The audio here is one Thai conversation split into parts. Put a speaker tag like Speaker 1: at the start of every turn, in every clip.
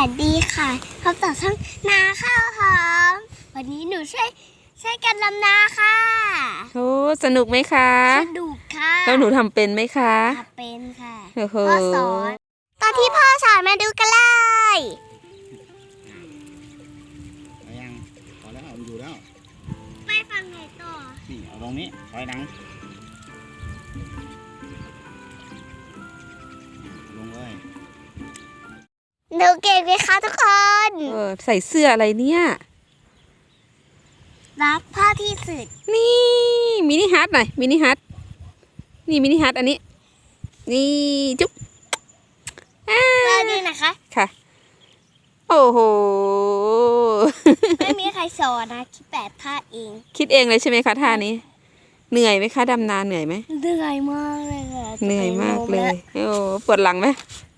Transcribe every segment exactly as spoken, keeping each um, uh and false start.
Speaker 1: สดีค่ะพบต่อช่องนาข้าวหอมวันนี้หนูใช้ใช้การลำนาค่ะ
Speaker 2: โอ้สนุกไหมคะ
Speaker 1: สนุกค่ะ
Speaker 2: แล้วหนูทำเป็นไหมคะ
Speaker 1: ทำเป็นค่ะ
Speaker 2: พ่อ
Speaker 1: สอนตอนที่พ่อสอนมาดูกันเลย
Speaker 3: ไปยังพอแล้วมันอยู่แล้ว
Speaker 1: ไปฟังไหนต่อ
Speaker 3: นี่เอาตรงนี้ถอยหลังลงเลย
Speaker 1: หนูเก่งไหมคะทุกคน
Speaker 2: เออใส่เสื้ออะไรเนี่ย
Speaker 1: รักพ่อที่สุด
Speaker 2: นี่มินิฮัทหน่อยมินิฮัทนี่มินิฮัทอันนี้นี่จุ๊บ
Speaker 1: มาดูนะคะ
Speaker 2: ค่ะโอ้โห
Speaker 1: ไม่มีใครสอนนะคิดแบบท่าเอง
Speaker 2: คิดเองเลยใช่ไหมคะท่านี้เหนื่อยไหมคะดำนาเหนื่อยไหม
Speaker 1: เหนื่อยมากเลยค่ะ
Speaker 2: เหนื่อยมากเลยโอ้ปวดหลังไหม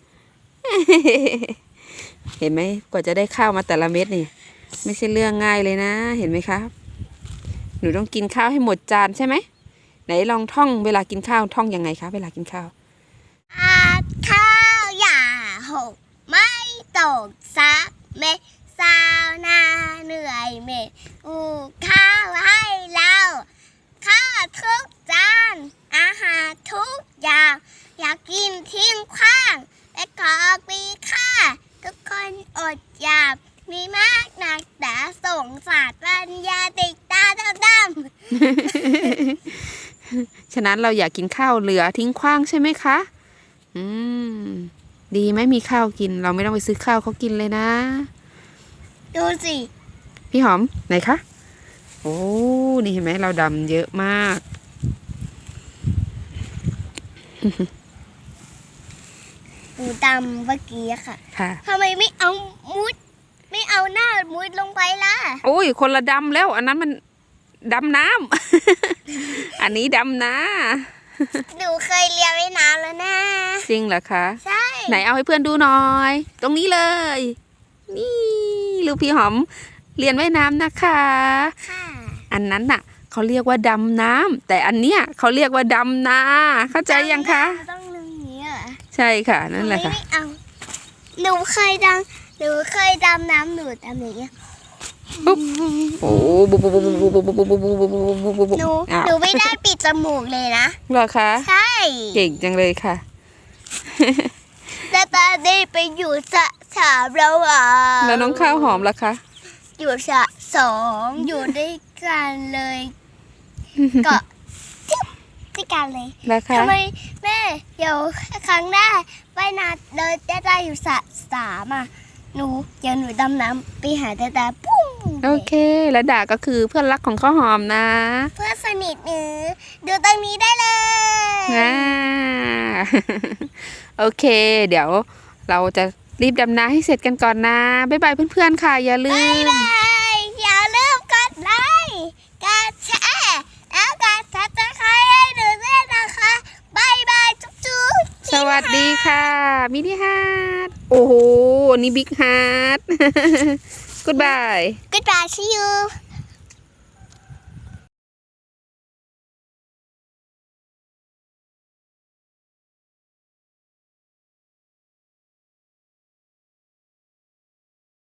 Speaker 2: เห็นไหมกว่าจะได้ข้าวมาแต่ละเม็ดนี่ไม่ใช่เรื่องง่ายเลยนะเห็นไหมคะหนูต้องกินข้าวให้หมดจานใช่ไหมไหนลองท่องเวลากินข้าวท่องยังไงคะเวลากินข้าว
Speaker 1: อาข้าวอย่าหกไม่ตกซักเม็ดสาวนาเหนื่อยเม็ดอูข้าวให้เราข้าวทุกจานอาหารทุกอย่างอยากกินทิ้งขว้างและขอปีค่าทุกคนอดอยากมีมากหนักแต่ส่งสารปัญญาติดตาดำ
Speaker 2: ๆฉะนั้นเราอยากกินข้าวเหลือทิ้งขว้างใช่ไหมคะอืมดีไหมมีข้าวกินเราไม่ต้องไปซื้อข้าวเขากินเลยนะ
Speaker 1: ดูสิ
Speaker 2: พี่หอมไหนคะโอ้นี่เห็นไหมเราดำเยอะมาก
Speaker 1: หนูดำเมื่อกี้ค่ะ
Speaker 2: ค่ะ
Speaker 1: ทำไมไม่เอามุดไม่เอาหน้ามุดลงไปล่ะ
Speaker 2: โอ้ยคนละดำแล้วอันนั้นมันดำน้ำ อันนี้ดำนะ
Speaker 1: หนูเคยเรียนว่ายน้ำแล้วนะ
Speaker 2: จริงเหรอคะ
Speaker 1: ใช่
Speaker 2: ไหนเอาให้เพื่อนดูหน่อยตรงนี้เลยนี่ลูกพี่หอมเรียนว่ายน้ำนะคะ
Speaker 1: ค่ะ
Speaker 2: อันนั้นน่ะเขาเรียกว่าดำน้ำแต่อันเนี้ยเขาเรียกว่าดำนาเข้าใจยังคะ
Speaker 1: ต้องเรื่องนี้อ่ะ
Speaker 2: ใช่ค่ะนั่นแหละค่ะ
Speaker 1: ไม่เอาหนูเคยดำหนูเคยดำน้ำหนูดำอย่างเงี้ย
Speaker 2: ปุ๊บโอ้บุบบุบบุบบุบบุบบุบบุบบุบบุบบุบบุบบุบ
Speaker 1: หนูหนูไม่ได้ปิดจมูกเลยนะ
Speaker 2: เหรอคะ
Speaker 1: ใช่
Speaker 2: เก่งจังเลยค่ะ
Speaker 1: แต่ตอนนี้ไปอยู่สะสามแล้วอ่ะ
Speaker 2: แล้วน้องข้าวหอมล่ะคะ
Speaker 1: อยู่สะสองอยู่ด้วยกันเลยก็ด้วยกันเลยทำไมแม่เดี๋ยวครั้งหน้าไปนาเดินจะได้อยู่สะสามอ่ะหนูเดี๋ยวหนูดำน้ำไปหาตาตาปุ้ง
Speaker 2: โอเคแล้วดาก็คือเพื่อนรักของข้าวหอมนะ
Speaker 1: เพื่อนสนิทหนูดูตรงนี้ได้เลย
Speaker 2: อ่าโอเคเดี๋ยวเราจะรีบดำน้ำให้เสร็จกันก่อนนะบ๊ายบายเพื่อนๆค่ะอย่าลืม
Speaker 1: บ๊ายบายอย่าลืมกดไลค์กดแชร์แล้วกดซับสไครบ์ให้หนูด้วยนะคะบ๊ายบายจุ๊บจุ๊บ
Speaker 2: สวัสดีค่ะมินิฮาร์ดโอ้โหนี่บิ๊กฮาร์ด goodbye
Speaker 1: goodbye see you